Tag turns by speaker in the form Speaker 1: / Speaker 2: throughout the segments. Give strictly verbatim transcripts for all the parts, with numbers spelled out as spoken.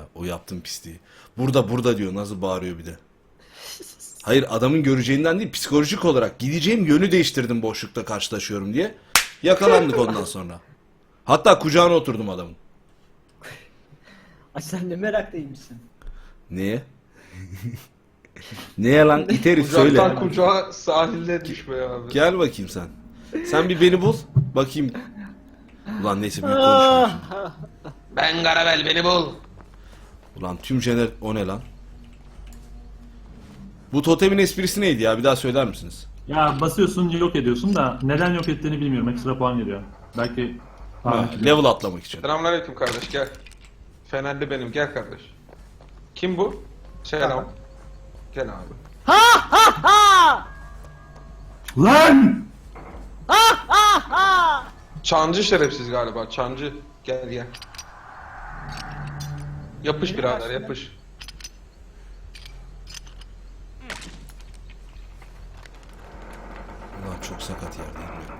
Speaker 1: O yaptığın pisliği. Burada burada diyor, nasıl bağırıyor bir de. Hayır, adamın göreceğinden değil, psikolojik olarak gideceğim yönü değiştirdim boşlukta karşılaşıyorum diye. Yakalandık ondan sonra. Hatta kucağına oturdum adamın.
Speaker 2: Ay sen ne meraklıymışsın.
Speaker 1: Neye? Neye lan it herif, söyle.
Speaker 3: Kucaktan kucağa sahilde düşme abi.
Speaker 1: Gel bakayım sen. Sen bir beni bul. Bakayım. Ulan neyse, büyük konuşma.
Speaker 3: Ben Garabel, beni bul.
Speaker 1: Ulan tüm jener... O ne lan? Bu totemin esprisi neydi ya? Bir daha söyler misiniz?
Speaker 4: Ya basıyorsun yok ediyorsun da neden yok ettiğini bilmiyorum. Ekstra puan geliyor. Belki
Speaker 1: Ha, level atlamak için.
Speaker 3: Selamünaleyküm kardeş, gel. Fenerli benim, gel kardeş. Kim bu? Selam. Gel abi.
Speaker 4: Lan!
Speaker 3: Çancı şerefsiz galiba, Çancı. Gel gel. Yapış birader, yapış.
Speaker 1: Ulan çok sakat yerdeyim ya.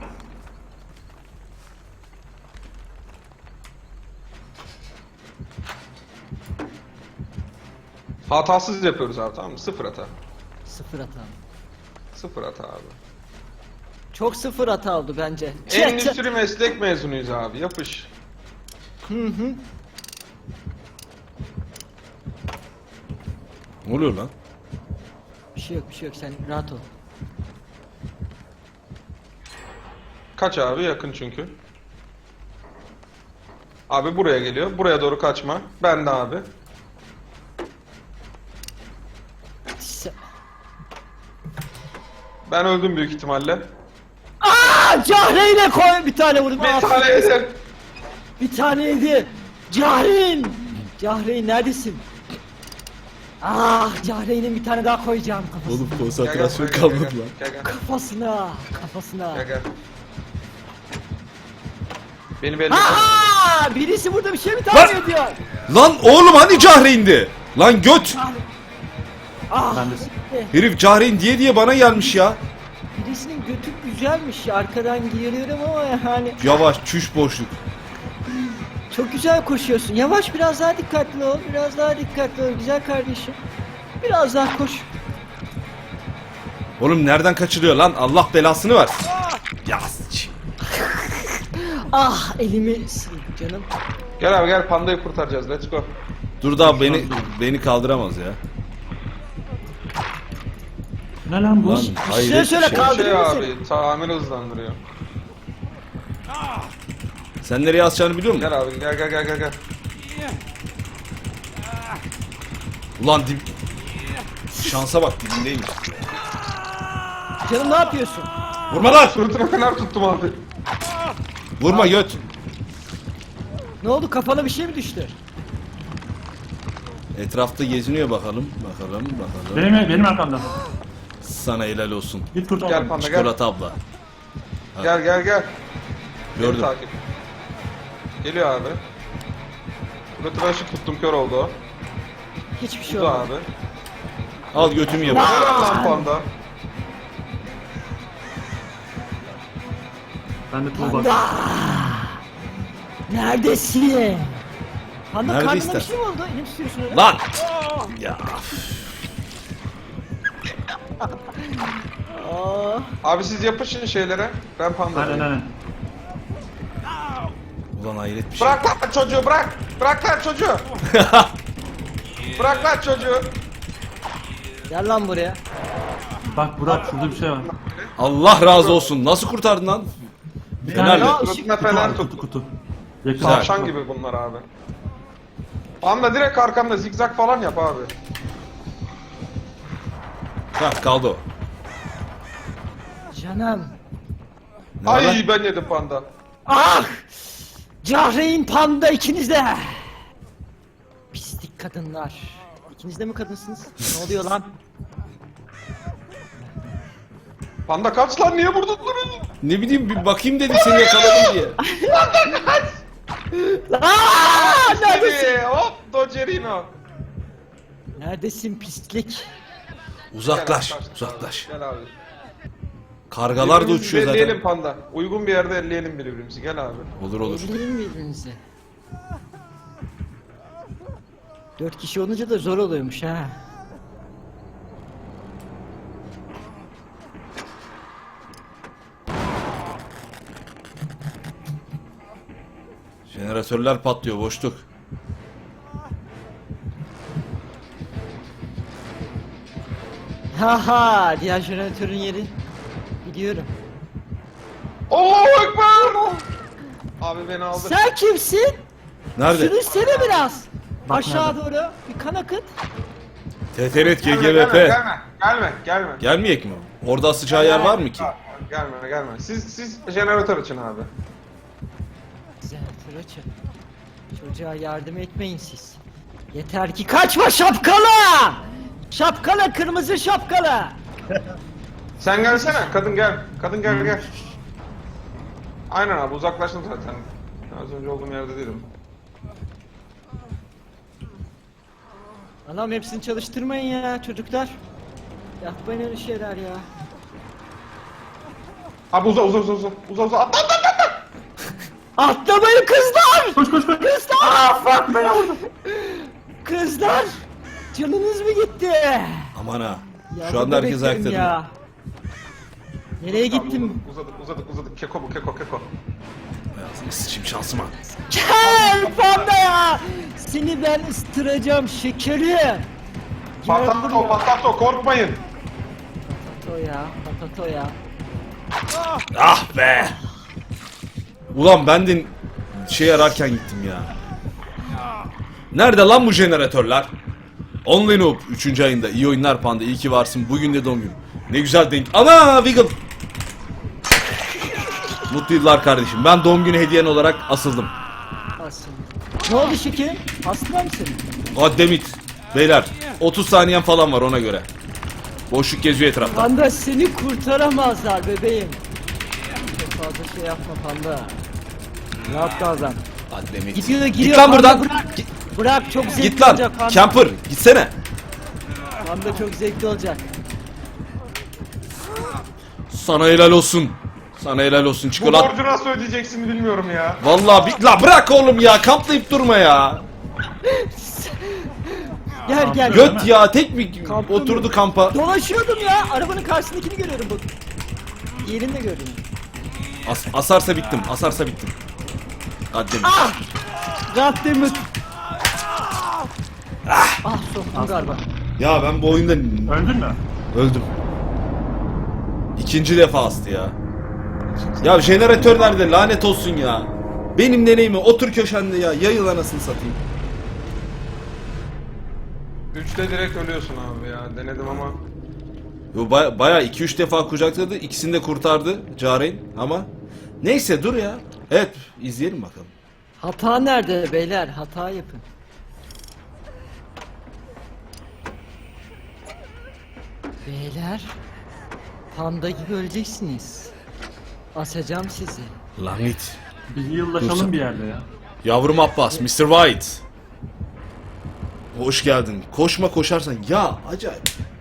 Speaker 3: Hatasız yapıyoruz abi, tamam mı? Sıfır hata.
Speaker 2: Sıfır hata.
Speaker 3: Sıfır hata abi.
Speaker 2: Çok sıfır hata oldu bence.
Speaker 3: Endüstri meslek mezunuyuz abi, yapış.
Speaker 2: Hı hı.
Speaker 1: Ne oluyor lan?
Speaker 2: Bir şey yok bir şey yok sen rahat ol.
Speaker 3: Kaç abi, yakın çünkü. Abi buraya geliyor, buraya doğru kaçma. Ben de abi.
Speaker 2: Se-
Speaker 3: Ben öldüm büyük ihtimalle.
Speaker 2: Aa, Cahreyn'e koy bir tane vurdum.
Speaker 3: Bir
Speaker 2: Aa,
Speaker 3: tane yedim.
Speaker 2: Bir taneydi. Cahreyn. Cahreyn neredesin? Ah, Cahreyn'in bir tane daha koyacağım kafasına.
Speaker 1: Oğlum
Speaker 3: Gel, gel,
Speaker 1: konsantrasyon
Speaker 3: buraya gel,
Speaker 1: kalmadı
Speaker 3: gel,
Speaker 1: lan.
Speaker 3: Gel gel.
Speaker 2: Kafasına, kafasına.
Speaker 3: Gel gel. Beni belli.
Speaker 2: Aa, birisi burada bir şey mi tahmin ediyor?
Speaker 1: Lan oğlum hani Cahreyn'di? Lan göt!
Speaker 2: Ah,
Speaker 4: Ben de
Speaker 1: Herif Cahreyn diye diye bana gelmiş ya.
Speaker 2: birisinin götü güzelmiş. Arkadan giriyorum ama yani
Speaker 1: Yavaş, çüş boşluk.
Speaker 2: çok güzel koşuyorsun. Yavaş, biraz daha dikkatli ol. Biraz daha dikkatli ol güzel kardeşim. Biraz daha koş.
Speaker 1: Oğlum nereden kaçırıyor lan? Allah belasını versin. Ya s***.
Speaker 2: Ah, elimi sil canım.
Speaker 3: Gel abi gel, pandayı kurtaracağız, let's go.
Speaker 1: Dur daha beni beni kaldıramaz ya.
Speaker 4: Ne lan bu?
Speaker 1: Lan hayret bir
Speaker 2: söyle,
Speaker 1: şey.
Speaker 2: kaldır.
Speaker 3: Şey
Speaker 2: Kaldırıyor
Speaker 3: abi, tamir hızlandırıyor.
Speaker 1: Sen nereye asacağını biliyor musun?
Speaker 3: Gel abi gel gel gel gel gel.
Speaker 1: Ulan dib... Şansa bak, dibindeymiş.
Speaker 2: Canım ne yapıyorsun?
Speaker 1: Vurma lan!
Speaker 3: Sırtına fener tuttum abi.
Speaker 1: Vurma göt.
Speaker 2: Ne oldu, kafana bir şey mi düştü?
Speaker 1: Etrafta geziniyor bakalım. Bakalım bakalım.
Speaker 4: Benim, benim arkamda.
Speaker 1: Sana helal olsun.
Speaker 4: Git kurtar.
Speaker 3: Gel panda gel.
Speaker 1: Çikolata abla.
Speaker 3: Gel gel gel. Beni
Speaker 1: Gördüm.
Speaker 3: takip. Geliyor abi. Götüne ışık tuttum, kör oldu o.
Speaker 2: Hiçbir şey
Speaker 3: Bu da
Speaker 2: olmadı.
Speaker 3: abi.
Speaker 1: Al götümü yap.
Speaker 3: Helal lan panda.
Speaker 4: Ben de tool
Speaker 2: Panda!
Speaker 4: bak.
Speaker 2: Neredesin? Panda,
Speaker 1: Nerede
Speaker 2: karnına
Speaker 1: ister?
Speaker 2: bir şey mi oldu? Ne tutuyorsun öyle?
Speaker 1: Lan! Ya.
Speaker 2: Aa,
Speaker 3: Abi siz yapışın şeylere. Ben panda.
Speaker 4: Aynen aynen.
Speaker 1: Ulan hayret bir şey.
Speaker 3: Bırak lan çocuğu, bırak. Bırak lan çocuğu. Bırak lan çocuğu.
Speaker 2: gel lan buraya.
Speaker 4: Bak Burak şurada bir şey var.
Speaker 1: Allah razı olsun. Nasıl kurtardın lan?
Speaker 4: Bir
Speaker 1: Fenerle.
Speaker 4: tane
Speaker 2: ışık-
Speaker 3: Sırtına
Speaker 4: kutu
Speaker 3: fener
Speaker 4: var,
Speaker 3: tut.
Speaker 4: kutu kutu. Yakın.
Speaker 3: Tavşan gibi bunlar abi. Panda direkt arkamda zigzag falan yap abi.
Speaker 1: Hah, kaldı o.
Speaker 2: Canım.
Speaker 1: Ne var lan?
Speaker 3: Ay ben yedim panda.
Speaker 2: Ah! Cahreyn, Panda, ikiniz de. Pislik kadınlar. İkiniz de mi kadınsınız? Ne oluyor lan?
Speaker 3: Panda kaç lan, niye vurdun durun?
Speaker 1: Ne bileyim, bir bakayım dedim seni yakaladım diye.
Speaker 2: Aa, neredesin?
Speaker 3: Seni hop Docerino.
Speaker 2: Neredesin pislik?
Speaker 1: Uzaklaş,
Speaker 3: Gel abi,
Speaker 1: uzaklaş.
Speaker 3: Gel abi.
Speaker 1: Kargalar da
Speaker 3: Birbirimizi
Speaker 1: uçuyor
Speaker 3: elleyelim
Speaker 1: zaten.
Speaker 3: panda. Uygun bir yerde elleyelim birbirimizi. Gel abi.
Speaker 1: Olur olur.
Speaker 2: Öldürelim birbirinizi. Dört kişi olunca da zor oluyormuş ha.
Speaker 1: Jeneratörler patlıyor, boşluk.
Speaker 2: Haha, diğer jeneratörün yeri biliyorum.
Speaker 3: Allahu Ekber! Abi beni aldı.
Speaker 2: Sen kimsin?
Speaker 1: Nerede?
Speaker 2: Sürünsene biraz.
Speaker 4: Bak
Speaker 2: Aşağı
Speaker 4: nerede?
Speaker 2: doğru bir kan akıt.
Speaker 1: T T R T G
Speaker 3: Gelme,
Speaker 1: G V
Speaker 3: gelme,
Speaker 1: P.
Speaker 3: gelme, gelme, gelme.
Speaker 1: Gelmeyek mi? Orada sıcağı yer var mı ki?
Speaker 3: Gelme, gelme. Siz, siz jeneratör açın abi.
Speaker 2: Jeneratör açın. Çocuğa yardım etmeyin siz. Yeter ki kaçma şapkalı! Şapkalı, kırmızı şapkalı.
Speaker 3: Sen gelsene, kadın gel. Kadın gel, gel. Aynen abi, uzaklaştım zaten. Az önce olduğum yerde değilim.
Speaker 2: Anam hepsini çalıştırmayın ya çocuklar. Yapmayın öyle şeyler ya.
Speaker 3: Abi uza, uza, uza, uza, uza, uza, atla, atla, atla, atla.
Speaker 2: Atlamayın kızlar!
Speaker 4: Koş koş koş.
Speaker 2: Kızlar! Aa, fuck beni vurdu. Kızlar! Canınız mı gitti?
Speaker 1: Aman ha.
Speaker 2: Ya
Speaker 1: Şu anda
Speaker 2: burada
Speaker 1: herkes
Speaker 2: beklerim
Speaker 1: ayakta duruyor.
Speaker 2: ya. Nereye gittim?
Speaker 3: Uzadık, uzadık, uzadık. Keko bu, keko, keko.
Speaker 1: Hayatını sıçayım şansıma.
Speaker 2: Gel panda ya! Seni ben ıstıracağım şekeri. Gel
Speaker 3: Patato,
Speaker 2: buraya.
Speaker 3: patato, korkmayın.
Speaker 2: Patato ya, patato ya.
Speaker 1: Ah be! Ulan ben de şey ararken gittim ya. Nerede lan bu jeneratörler? Only Noob üçüncü ayında. İyi oyunlar Panda. İyi ki varsın. Bugün de doğum günüm. Ne güzel denk. Ana Wiggle! Mutlu yıllar kardeşim. Ben doğum günü hediyen olarak asıldım.
Speaker 2: Aslında. Ne oldu şekerim? Hasta mısın?
Speaker 1: Goddammit. Beyler otuz saniyen falan var ona göre. Boşluk geziyor etrafta.
Speaker 2: Panda seni kurtaramazlar bebeğim. Çok fazla şey yapma panda. Rahat davran.
Speaker 1: Goddammit.
Speaker 2: Gidiyor gidiyor.
Speaker 1: Git lan
Speaker 2: panda,
Speaker 1: buradan.
Speaker 2: Bırak, bırak çok zevkli
Speaker 1: Git lan.
Speaker 2: olacak panda.
Speaker 1: Camper gitsene.
Speaker 2: Panda çok zevkli olacak.
Speaker 1: Sana helal olsun. Sana helal olsun
Speaker 3: Bu
Speaker 1: çikolat.
Speaker 3: borcu nasıl ödeyeceksin bilmiyorum ya.
Speaker 1: Vallahi bir... La bırak oğlum ya. Kamplayıp durma ya.
Speaker 2: Gel gel.
Speaker 1: Göt ya. Tek bir
Speaker 2: Kampta
Speaker 1: oturdu
Speaker 2: mı?
Speaker 1: kampa.
Speaker 2: Dolaşıyordum ya. Arabanın karşısındakini görüyorum bak. Diğerini de gördüm.
Speaker 1: As asarsa bittim. Asarsa bittim. Goddammit.
Speaker 2: Ah! Goddammit. Ah! Ah soktum galiba.
Speaker 1: Ya ben bu oyunda
Speaker 4: Öldün mü?
Speaker 1: öldüm. İkinci defa astı ya. Ya jeneratör nerede? Lanet olsun ya. Benim deneyimi otur köşende ya. Yayıl anasını satayım.
Speaker 3: Üçte direkt ölüyorsun abi ya. Denedim ama.
Speaker 1: Yo, baya, bayağı iki üç defa kucakladı. İkisini de kurtardı Caren ama. Neyse dur ya. Evet izleyelim bakalım.
Speaker 2: Hata nerede beyler? Hata yapın. Beyler, panda gibi öleceksiniz. Asacağım sizi.
Speaker 1: Lanet.
Speaker 4: Bir yıllaşalım
Speaker 1: Dursun.
Speaker 4: bir yerde ya.
Speaker 1: Yavrum Abbas, mister White. Hoş geldin. Koşma koşarsan. Ya acayip.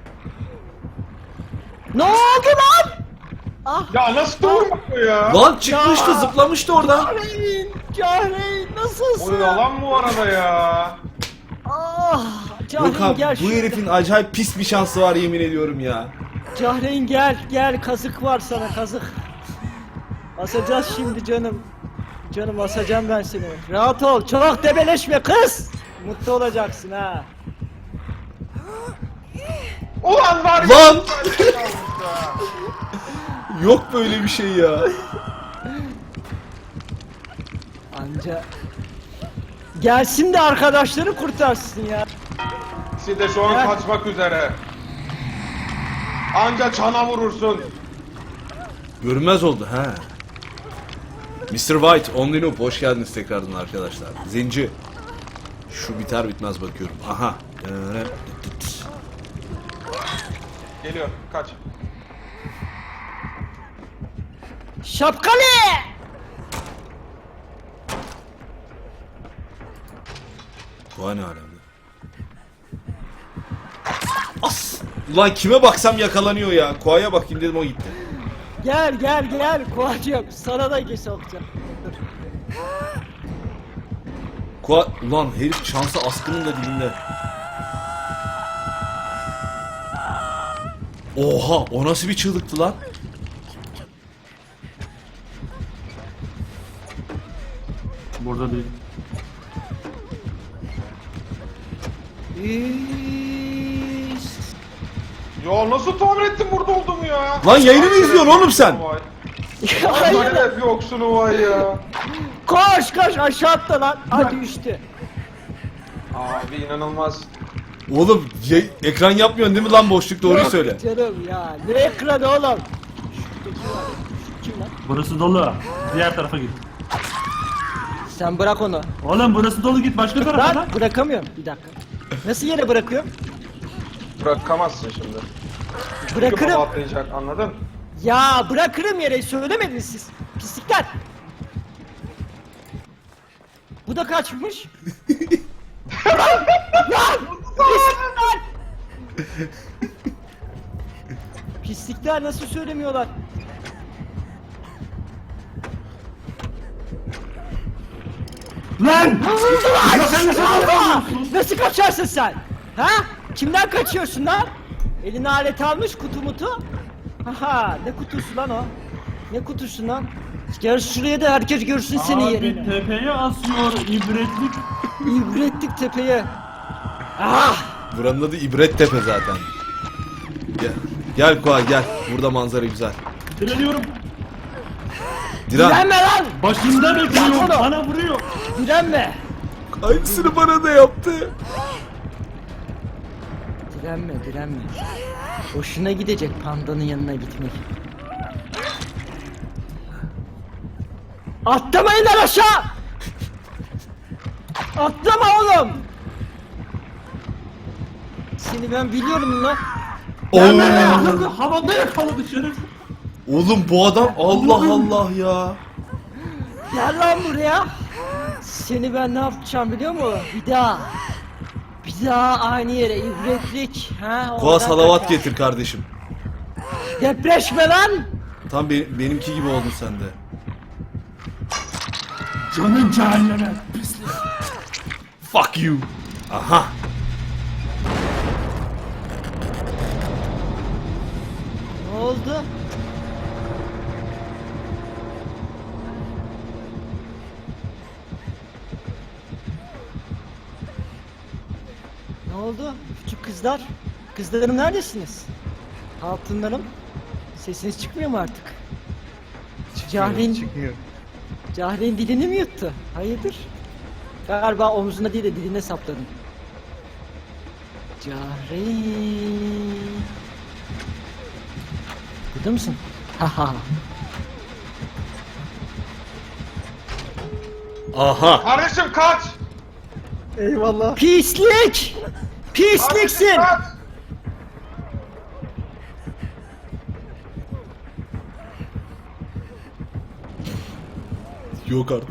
Speaker 2: Ne oldu lan? Ah!
Speaker 3: Ya nasıl doğru yapıyor ya?
Speaker 1: Lan çıkmıştı
Speaker 2: Ya.
Speaker 1: zıplamıştı oradan.
Speaker 2: Cahreyn! Cahreyn nasılsın?
Speaker 3: O yalan bu arada ya.
Speaker 2: Ah!
Speaker 1: Yok
Speaker 2: Cahreyn
Speaker 1: abi
Speaker 2: gel
Speaker 1: bu
Speaker 2: şuraya.
Speaker 1: herifin acayip pis bir şansı var yemin ediyorum ya.
Speaker 2: Cahreyn gel gel kazık var sana kazık. Asacağız şimdi canım. Canım asacağım ben seni. Rahat ol çok debeleşme kız. Mutlu olacaksın ha.
Speaker 3: Ulan var ya.
Speaker 1: Lan! Yok böyle bir şey ya.
Speaker 2: Anca gelsin de arkadaşları kurtarsın ya.
Speaker 3: İkisi de şu an
Speaker 2: Gel.
Speaker 3: kaçmak üzere. Anca çana vurursun.
Speaker 1: Görünmez oldu ha. mister White, Only Noob hoş geldiniz tekrardan arkadaşlar. Zenci. Şu biter bitmez bakıyorum. Aha.
Speaker 3: Geliyor, kaç.
Speaker 2: Şapkalı!
Speaker 1: Koa ne alemde? As! Ulan kime baksam yakalanıyor ya. Koa'ya bakayım dedim o gitti.
Speaker 2: Gel gel gel Kovacığım sana da sokacağım. Dur.
Speaker 1: Kua... Ulan herif şansı askının da dilinde. Oha, o nasıl bir çığlıktı lan?
Speaker 4: Burada değil.
Speaker 2: İş.
Speaker 3: Ya nasıl tahmin ettin burada olduğumu ya?
Speaker 1: Lan yayını mı izliyorsun oğlum sen?
Speaker 3: Vay.
Speaker 2: Hayır.
Speaker 3: Hayır yoksunu vay ya.
Speaker 2: Koş koş aşağı atla lan. Hadi düştü.
Speaker 3: Abi inanılmaz.
Speaker 1: Oğlum yay- ekran yapmıyorsun değil mi lan boşluk, doğruyu
Speaker 2: Yok
Speaker 1: söyle.
Speaker 2: Canım ya. Ne ekranı oğlum? Şuradaki var. Şu kim lan?
Speaker 4: Burası dolu. Diğer tarafa git.
Speaker 2: Sen bırak onu.
Speaker 4: Oğlum burası dolu, git başka tarafa
Speaker 2: Lan
Speaker 4: lan.
Speaker 2: bırakamıyorum. Bir dakika. Nasıl yere bırakıyorum?
Speaker 3: Bırakamazsın şimdi. Çünkü
Speaker 2: Bırakırım.
Speaker 3: baba atlayacak, anladın?
Speaker 2: Ya bırakırım yere, söylemediniz siz. Pislikler. Bu da kaçmış. Lan! Lan! Pislikler! Pislikler nasıl söylemiyorlar?
Speaker 4: Lan!
Speaker 2: Allah! Nasıl kaçarsın sen? Ha? Kimden kaçıyorsun lan? Eline alet almış, kutu mutu. Haha, ne kutusu lan o? Ne kutusu lan? Gel şuraya da herkes görsün seni
Speaker 4: Abi
Speaker 2: yerini.
Speaker 4: tepeye asıyor ibretlik.
Speaker 2: İbretlik tepeye. Ah!
Speaker 1: Buranın adı İbret Tepe zaten. Gel, gel Kua gel. Burada manzara güzel.
Speaker 4: Direniyorum.
Speaker 1: Diren.
Speaker 2: Direnme lan!
Speaker 4: Başında bekliyor.
Speaker 2: Yapma.
Speaker 4: Bana vuruyor.
Speaker 2: Direnme!
Speaker 1: Aynısını bana da yaptı.
Speaker 2: Direnme, direnme. Hoşuna gidecek pandanın yanına gitmek. Atlamayın lan aşağı! Atlama oğlum! Seni ben biliyorum lan.
Speaker 1: Oo.
Speaker 4: Havada yakaladı şeref.
Speaker 1: Oğlum bu adam Allah Allah ya.
Speaker 2: Gel lan buraya. Seni ben ne yapacağım biliyor musun? Bir daha. Bir daha aynı yere ibretlik. Ha,
Speaker 1: Kua
Speaker 2: oradan
Speaker 1: salavat
Speaker 2: kaçar.
Speaker 1: getir kardeşim.
Speaker 2: Depreşme lan.
Speaker 1: Tam be- benimki gibi oldun sen de.
Speaker 4: Canın cehenneme.
Speaker 1: Fuck you. Aha.
Speaker 2: Ne oldu? Ne oldu? Küçük kızlar. Kızlarım neredesiniz? Altınlarım. Sesiniz çıkmıyor mu artık? Cahreyn,
Speaker 5: Çıkmıyor.
Speaker 2: Cahreyn dilini mi yuttu? Hayırdır? Galiba omzuna değil de diline sapladın. Cahreyn. Burada mısın? Haha.
Speaker 1: Aha.
Speaker 3: Kardeşim kaç!
Speaker 5: Eyvallah.
Speaker 2: Pislik! Pisliksin!
Speaker 3: Kardeşim kaç!
Speaker 1: Yok artık.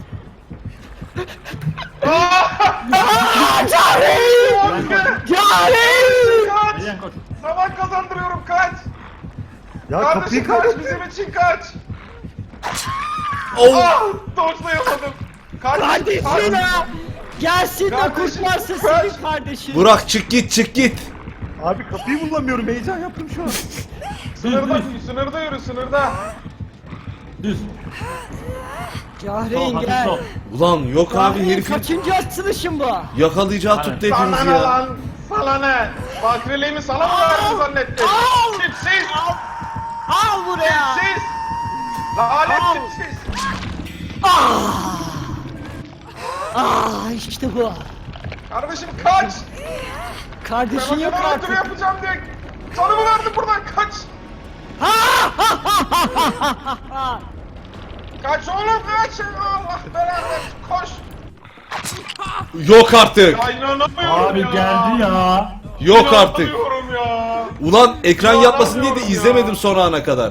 Speaker 2: Cahreyn! Cahreyn!
Speaker 3: Kaç!
Speaker 4: Eğlen koş.
Speaker 3: Zaman kazandırıyorum kaç!
Speaker 5: Ya
Speaker 3: Kardeşim
Speaker 5: kapıyı
Speaker 3: kaç,
Speaker 5: kapat.
Speaker 3: bizim için kaç!
Speaker 1: Oh.
Speaker 3: Ah! Dodge'layamadım! Kardeşim
Speaker 2: Kardeşin
Speaker 3: kaç!
Speaker 2: ha! Gelsin de
Speaker 3: Kardeşim,
Speaker 2: kurtarsın
Speaker 3: kaç!
Speaker 2: seni kardeşim.
Speaker 1: Burak çık git çık git.
Speaker 5: Abi kapıyı bulamıyorum. Heyecan yaptım şu an.
Speaker 3: Sınırda, sınırda yürü sınırda!
Speaker 4: Düz.
Speaker 2: Cahreyn
Speaker 4: Sol, hafif
Speaker 2: gel.
Speaker 4: sol.
Speaker 1: Ulan yok abi
Speaker 2: Cahreyn
Speaker 1: herifin
Speaker 2: kaçıncı atılışın bu?
Speaker 1: yakalayacağı
Speaker 4: Aynen.
Speaker 1: tuttu
Speaker 3: Sana
Speaker 1: hepimizi
Speaker 3: ne
Speaker 1: ya.
Speaker 3: lan? Sana ne? Bakriliğimi sana mı verdin zannettin?
Speaker 2: Al!
Speaker 3: Tipsiz!
Speaker 2: Al buraya!
Speaker 3: Tipsiz! Lanet
Speaker 2: Al!
Speaker 3: tipsiz!
Speaker 2: Ah işte bu.
Speaker 3: Kardeşim kaç!
Speaker 2: Kardeşin
Speaker 3: Ben
Speaker 2: yok
Speaker 3: sana
Speaker 2: artık.
Speaker 3: ötürü yapacağım diye canımı verdim buradan kaç! Kaç oğlum kaç! Allah belanı versin, koş!
Speaker 1: Yok artık.
Speaker 3: Ya inanamıyorum
Speaker 4: Abi
Speaker 3: ya!
Speaker 4: geldi ya.
Speaker 1: Yok artık.
Speaker 3: İnanamıyorum ya!
Speaker 1: Ulan ekran yapmasın diye de
Speaker 3: İnanamıyorum
Speaker 1: izlemedim
Speaker 3: ya.
Speaker 1: son ana kadar.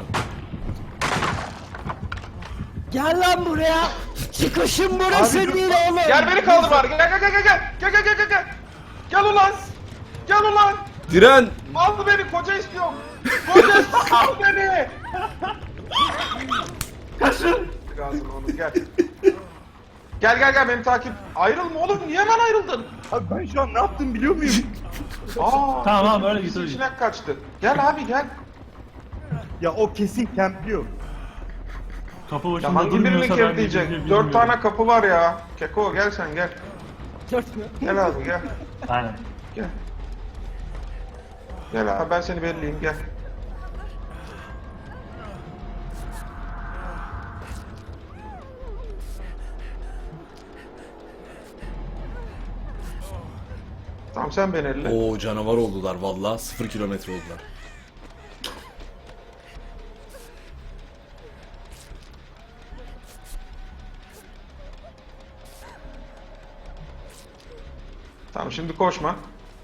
Speaker 2: Gel lan buraya. Çıkışın burası
Speaker 5: Abi dur.
Speaker 2: değil oğlum.
Speaker 3: Gel beni kaldır bari gel gel gel gel gel gel gel gel gel gel gel ulan! Gel ulan!
Speaker 1: Diren.
Speaker 3: Al beni koca istiyorum! Koca istiyorum al beni!
Speaker 4: Kaçın.
Speaker 3: Gazım onu gel. Gel gel gel beni takip. Ayrılma oğlum, niye hemen ayrıldın?
Speaker 5: Abi ben şu an ne yaptım biliyor muyum?
Speaker 3: Aa,
Speaker 4: Tamam, tamam, öyle git,
Speaker 3: bizim
Speaker 4: öyle git.
Speaker 3: içinden kaçtı. Gel abi gel.
Speaker 5: Ya o kesin campliyor.
Speaker 4: Kapı
Speaker 3: Ya
Speaker 4: başında
Speaker 3: hangi birini
Speaker 4: durmuyorsa ben
Speaker 3: kilitleyecek?
Speaker 4: bilmiyorum.
Speaker 3: Dört tane kapı var ya. Keko gel sen gel.
Speaker 2: Dört mü?
Speaker 3: Gel abi gel.
Speaker 4: Aynen.
Speaker 3: Gel. Gel abi ben seni belleyeyim gel. Tamam sen beni elle.
Speaker 1: Oo canavar oldular vallahi. Sıfır kilometre oldular.
Speaker 3: Tamam şimdi koşma.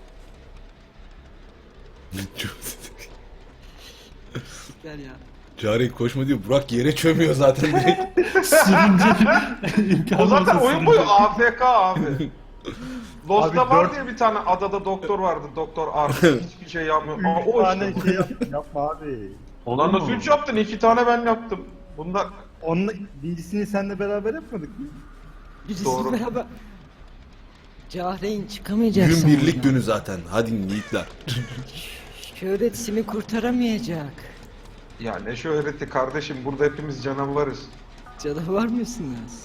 Speaker 2: Gel ya.
Speaker 1: Cari koşma diyor. Burak yere çömüyor zaten direkt.
Speaker 4: Sürünce imkanı
Speaker 3: O zaten
Speaker 4: olsa
Speaker 3: oyun boyu
Speaker 4: sürünce.
Speaker 3: A F K abi. Lost'ta
Speaker 5: Abi
Speaker 3: var
Speaker 5: dört-
Speaker 3: diye bir tane adada doktor vardı. Doktor artık hiçbir şey yapmıyor. Aa,
Speaker 5: Üç
Speaker 3: o
Speaker 5: tane
Speaker 3: işte.
Speaker 5: şey yap, yapma abi.
Speaker 4: Olur
Speaker 3: Lan
Speaker 4: mu?
Speaker 3: nasıl üç yaptın? İki tane ben yaptım. Bunlar
Speaker 5: Onunla, birincisini seninle beraber yapmadık mı?
Speaker 2: Birisi
Speaker 3: Doğru.
Speaker 2: beraber. Cahreyn çıkamayacaksın.
Speaker 1: Gün birlik
Speaker 2: buradan.
Speaker 1: günü zaten. Hadi yiğitler.
Speaker 2: Şöhret seni kurtaramayacak.
Speaker 3: ya ne şöhreti kardeşim, burada hepimiz canavarız.
Speaker 2: Canavar mısınız?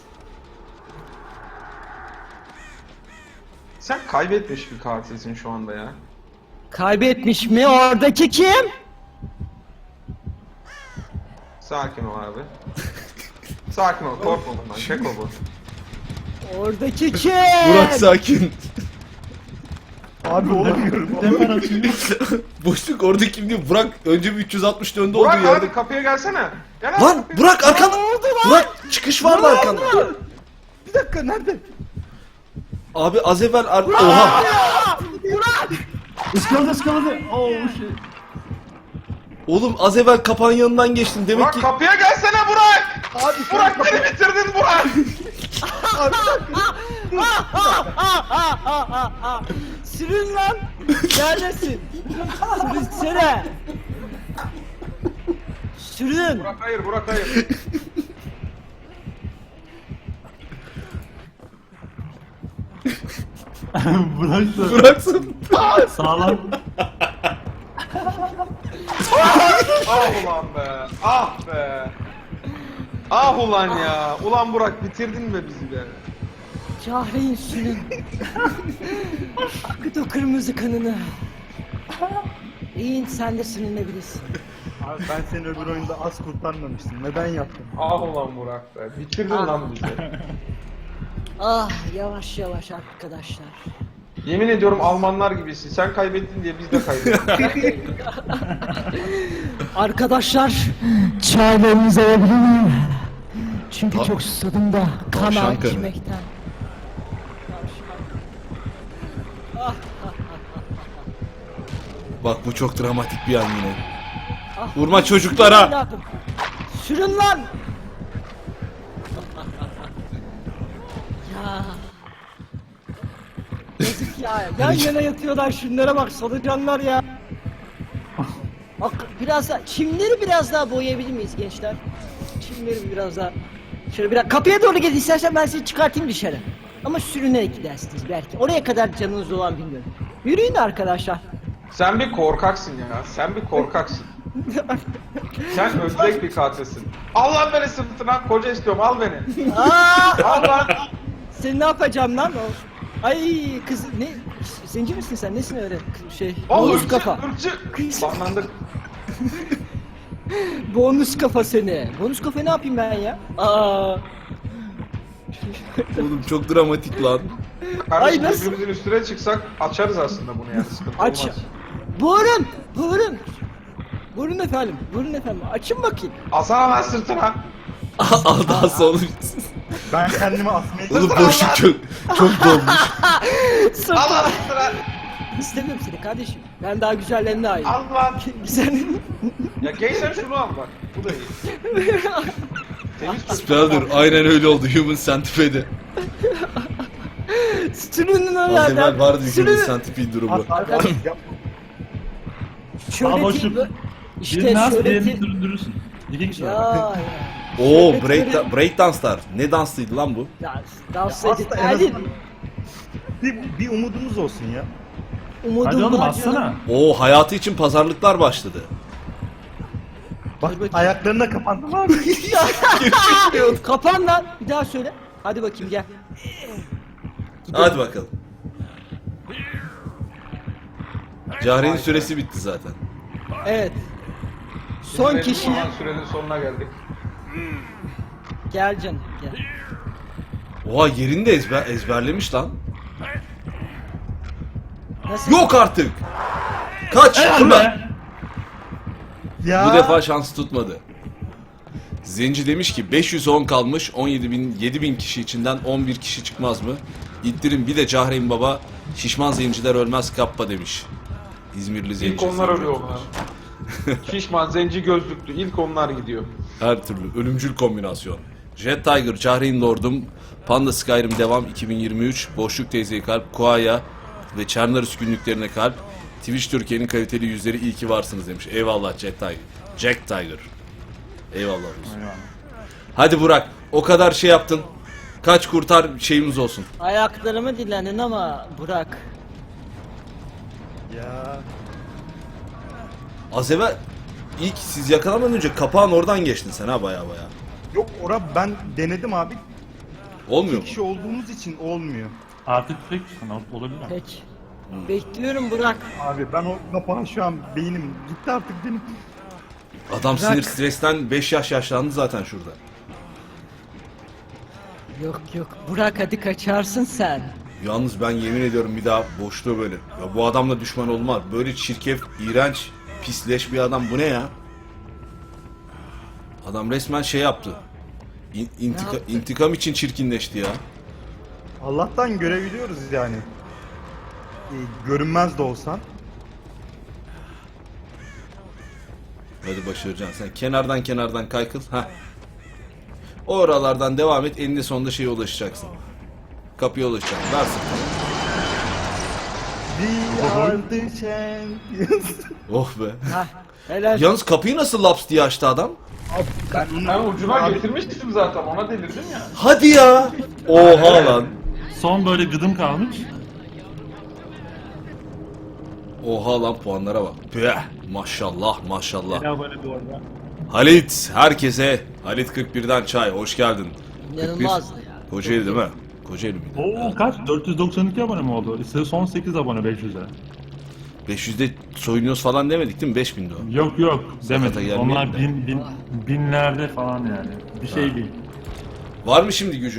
Speaker 3: Sen kaybetmiş bir katilsin şu anda ya.
Speaker 2: Kaybetmiş mi? Oradaki kim?
Speaker 3: Sakin ol abi. Sakin ol, korkma bundan. Keko bu.
Speaker 2: Oradaki kim?
Speaker 1: Burak sakin.
Speaker 5: Abi olamıyorum.
Speaker 4: Temper atıyor.
Speaker 1: Boşluk orada kim diyor? Burak önce bir üç yüz altmış döndü olduğu
Speaker 3: Burak
Speaker 1: yerde.
Speaker 3: abi kapıya gelsene. Gel abi
Speaker 1: Lan
Speaker 3: kapıya.
Speaker 1: Burak arkanda. Burak çıkış vardı arkanda.
Speaker 5: Bir dakika nerede?
Speaker 1: Abi az evvel ar- Oha.
Speaker 4: Iskaladı ıskaladı. Oh shit.
Speaker 1: Oğlum az evvel kapağın yanından geçtin. Demek
Speaker 3: Burak
Speaker 1: ki
Speaker 3: kapıya gelsene Burak.
Speaker 5: Abi
Speaker 3: Burak beni bitirdin Burak.
Speaker 2: Sürün lan! Neredesin? Sürünsene! Sürün!
Speaker 3: Burak hayır, Burak hayır.
Speaker 4: Bırak da
Speaker 1: bıraksın.
Speaker 4: sağlam.
Speaker 3: Ah ulan be. Ah be. Ah ulan ya. Ulan Burak bitirdin be bizi be.
Speaker 2: Cahreyn sürün! Akıt o kırmızı kanını! İyin sen de sürünebilirsin.
Speaker 5: Abi ben seni öbür oyunda az kurtarmamıştım. Neden yaptın?
Speaker 3: Ah ulan Burak be. Bitirdin lan bizi.
Speaker 2: Ah yavaş yavaş arkadaşlar.
Speaker 3: Yemin ediyorum Almanlar gibisin. Sen kaybettin diye biz de kaybettik.
Speaker 2: Arkadaşlar çaylarınızı alabilir miyim? Çünkü
Speaker 1: Ta-
Speaker 2: çok susadım da kan
Speaker 1: Tavşan kanı.
Speaker 2: içmekten.
Speaker 1: Bak bu çok dramatik bir an yine.
Speaker 2: Ah.
Speaker 1: Vurma çocuklara.
Speaker 2: Evladım. Sürün lan! ya. Yazık ya. Yan yana yatıyorlar şunlara bak solucanlar ya. Bak biraz daha çimleri biraz daha boyayabilir miyiz gençler? Çimleri biraz daha. Şöyle biraz kapıya doğru gel istersen ben sizi çıkartayım dışarı. Ama sürünerek gidersiniz belki. Oraya kadar canınız olan bilmiyorum. Yürüyün arkadaşlar.
Speaker 3: Sen bir korkaksın ya. Sen bir korkaksın. Sen ödlek bir katilsin. Al lan beni sırtına. Koca istiyorum. Al beni.
Speaker 2: Aa!
Speaker 3: Al lan.
Speaker 2: Seni ne yapacağım lan o? Ay kız ne? Zenci misin sen? Nesin öyle şey?
Speaker 3: Al
Speaker 2: Bonus
Speaker 3: ırkçı,
Speaker 2: kafa.
Speaker 3: ırkçı. Banlandık.
Speaker 2: Bonus kafa seni. Bonus kafa ne yapayım ben ya? Aa.
Speaker 1: Oğlum çok dramatik lan.
Speaker 3: Kardeşim
Speaker 2: Ay, nasıl?
Speaker 3: birbirimizin üstüne çıksak açarız aslında bunu yani. Sıkıntı
Speaker 2: Aç.
Speaker 3: olmaz.
Speaker 2: Buyurun. Buyurun. Buyurun efendim. Buyurun efendim. Açın bakayım.
Speaker 3: Alsana lan sırtına.
Speaker 1: Al daha sonra.
Speaker 5: Ben kendimi asmaya
Speaker 1: Oğlum boşluk çok çok dolmuş.
Speaker 2: Sırtım.
Speaker 3: Al lan sırtına.
Speaker 2: İstemiyorum seni kardeşim. Ben daha güzellerine ait.
Speaker 3: Al lan.
Speaker 2: Sen
Speaker 3: Ya giysen şunu al bak. Bu da iyi. Temiz çocuk.
Speaker 1: Spelder aynen öyle oldu Human Centipede'de.
Speaker 2: sürünün
Speaker 1: Az
Speaker 2: oradan.
Speaker 1: evvel vardı Human
Speaker 2: Sürünün.
Speaker 1: Centipede durumu.
Speaker 5: Abi, abi, abi, yapma.
Speaker 2: Şöyle
Speaker 4: Aa, boşluk.
Speaker 2: ti- işte
Speaker 4: Birini az
Speaker 2: şöyle
Speaker 4: diğerini
Speaker 2: ti-
Speaker 4: süründürürsün. İki kişi
Speaker 2: Ya,
Speaker 4: var.
Speaker 2: ya.
Speaker 1: Oo break, break danslar. Ne danslıydı lan bu?
Speaker 2: Dans, dans
Speaker 5: Aslında
Speaker 2: edin.
Speaker 5: en
Speaker 2: Hadi.
Speaker 5: azından bir, bir umudumuz olsun ya.
Speaker 2: Umudum
Speaker 4: Hadi oğlum
Speaker 2: var
Speaker 4: bassana.
Speaker 2: canım.
Speaker 1: Oo hayatı için pazarlıklar başladı.
Speaker 5: Bak
Speaker 2: bakayım.
Speaker 5: ayaklarına kapandım abi.
Speaker 2: Kapan lan. Bir daha söyle. Hadi bakayım gel.
Speaker 1: Hadi bakalım. Cahre'nin süresi bitti zaten.
Speaker 2: Evet. Son
Speaker 3: Benim
Speaker 2: kişi.
Speaker 3: olan sürenin sonuna geldik.
Speaker 2: Gel canım gel.
Speaker 1: Oha yerini de ezber, ezberlemiş lan.
Speaker 2: Nasıl?
Speaker 1: Yok artık. Kaç
Speaker 4: Helal
Speaker 1: şuradan.
Speaker 4: be.
Speaker 5: Ya.
Speaker 1: Bu defa şans tutmadı. Zenci demiş ki beş yüz on kalmış, on yedi bin, yedi bin kişi içinden on bir kişi çıkmaz mı? İttirin bir de Cahreyn Baba, şişman zenciler ölmez kappa demiş. İzmirli zenci.
Speaker 3: İlk onlar
Speaker 1: zenci
Speaker 3: ölüyor
Speaker 1: olmuş.
Speaker 3: onlar. Şişman, zenci gözlüklü. İlk onlar gidiyor.
Speaker 1: Her türlü ölümcül kombinasyon. Jet Tiger, Cahreyn Lord'um, Panda Skyrim devam iki bin yirmi üç, Boşluk Teyze'ye kalp, Kuaya ve Çernarus günlüklerine kalp, Twitch Türkiye'nin kaliteli yüzleri iyi ki varsınız demiş. Eyvallah Jet Tiger. Jack Tiger. Eyvallah olsun. Hadi Burak, o kadar şey yaptın. Kaç kurtar şeyimiz olsun.
Speaker 2: Ayaklarımı dinlenin ama Burak.
Speaker 5: Ya.
Speaker 1: Az evvel ilk siz yakalanmadan önce kapağın oradan geçtin sen ha baya baya.
Speaker 5: Yok ora ben denedim abi.
Speaker 1: Olmuyor mu?
Speaker 5: İki kişi olduğumuz için olmuyor.
Speaker 4: Artık tek kişisin olabilir.
Speaker 2: Peki. Bekliyorum Burak.
Speaker 5: Abi ben o kapağı şu an beynim gitti artık benim.
Speaker 1: Adam
Speaker 2: Bırak.
Speaker 1: sinir stresten beş yaş yaşlandı zaten şurada.
Speaker 2: Yok yok Burak hadi kaçarsın sen.
Speaker 1: Yalnız ben yemin ediyorum bir daha boşluğa böyle. Ya bu adamla düşman olmaz. Böyle çirkef, iğrenç, pisleş bir adam bu ne ya? Adam resmen şey yaptı. İn- intika-
Speaker 2: yaptı?
Speaker 1: intikam için çirkinleşti ya.
Speaker 5: Allah'tan görebiliyoruz yani. Ee, görünmez de olsan.
Speaker 1: Hadi başaracaksın. Sen kenardan kenardan kaykıl. Ha. O oralardan devam et. Eninde sonunda şeye ulaşacaksın. Kapıya ulaşacaksın. Ver sırtını.
Speaker 5: We are the champions.
Speaker 1: Oh be.
Speaker 2: Hah helal.
Speaker 1: Yalnız kapıyı nasıl laps diye açtı adam?
Speaker 5: ben,
Speaker 3: Ben ucuna
Speaker 5: Abi,
Speaker 3: getirmiştim zaten. Ona delirdim ya.
Speaker 1: Hadi ya. Oha lan.
Speaker 4: Son böyle gıdım kalmış.
Speaker 1: Oha lan puanlara bak. Püh. Maşallah maşallah.
Speaker 4: Ya böyle bu arada.
Speaker 1: Halit herkese Halit kırk birden çay hoş geldin.
Speaker 2: İnanılmazdı ya.
Speaker 1: Kocaeli değil mi? Kocaeli miydi?
Speaker 4: Oo kaç? dört yüz doksan iki abone mi oldu? İşte son sekiz abone beş yüze.
Speaker 1: beş yüzde soyunuyoruz falan demedik değil mi? beş bindi o.
Speaker 4: Yok yok
Speaker 1: Sakata
Speaker 4: demedim.
Speaker 1: gelmeyelim
Speaker 4: Onlar
Speaker 1: de.
Speaker 4: bin, bin, binlerde falan yani. Bir şey değil.
Speaker 1: Var mı şimdi gücün?